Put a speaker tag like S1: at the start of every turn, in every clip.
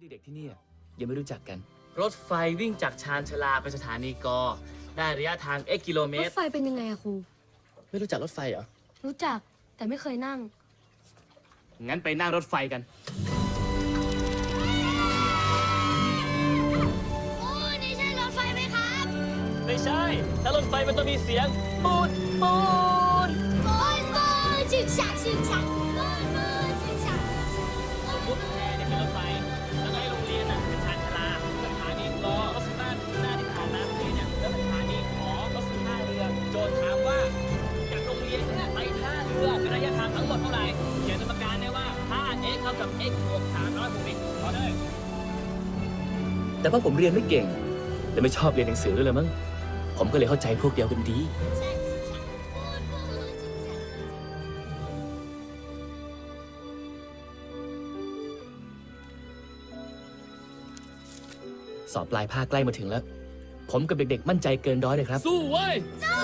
S1: เด็กๆที่นี่ยังไม่รู้จักกัน
S2: รถไฟวิ่งจากชานชาลาไปสถานีกได้ระยะทาง x กิโลเม
S3: ร
S2: ต
S3: ถ
S2: ร
S3: ไฟเป็นยังไงอะครู
S2: ไม่รู้จักรถไฟเหรอ
S3: รู้จักแต่ไม่เคยนั่ง
S2: งั้นไปนั่งรถไฟกัน
S4: โอ้นี่ใช่รถไฟไหมครับ
S2: ไม่ใช่ ถ้ารถไฟมันต้องมีเสียงปูนปูน
S4: ปูนชิงชักชิงชักปูนชิงชัก
S2: สมมติแพรเนี่ยเป็นรถไฟ แล้วก็ให้โรงเรียนเป็นชานชาลาสถานีกก็คือบ้านหน้าที่ผ่านมาเมื่อกี้เนี่ยแล้วสถานีขอก็คือท่าเรือ โจทย์ถามว่าจากโรงเรียนเนี่ยไปท่าเรือเป็นระยะทางทั้งหมดเท่าไหร่เขียนสมการได้ว่าถ้า x เท่ากับ x บวก300บวก x ขอเลย
S1: แต่ว่าผมเรียนไม่เก่งและไม่ชอบเรียนหนังสือด้วยเลยมั้งผมก็เลยเข้าใจพวกเดียวกันดี
S4: ชักชิงชักปูนชิงชัก
S1: สอบปลายภาคใกล้มาถึงแล้ว ผมกับเด็กๆมั่นใจเกินร้อยเลยครับ
S2: สู้เว้ย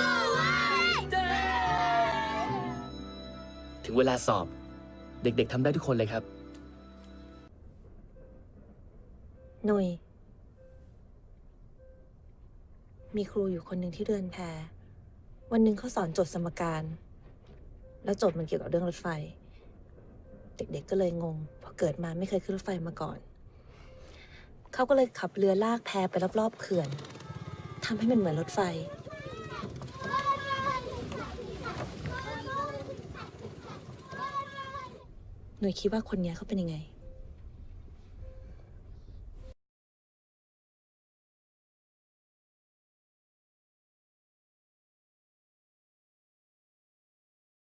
S1: ถึงเวลาสอบเด็กๆทำได้ทุกคนเลยครับ
S5: หนุ่ยมีครูอยู่คนหนึ่งที่เรือนแพวันหนึ่งเขาสอนโจทย์สมการ แล้วโจทย์มันเกี่ยวกับเรื่องรถไฟ เด็กๆก็เลยงงเพราะเกิดมาไม่เคยขึ้นรถไฟมาก่อน เขาก็เลยขับเรือลากแพไปรอบๆเขื่อนทำให้มันเหมือนรถไฟ หนุ่ยคิดว่าคนเนี้ยเขาเป็นยังไง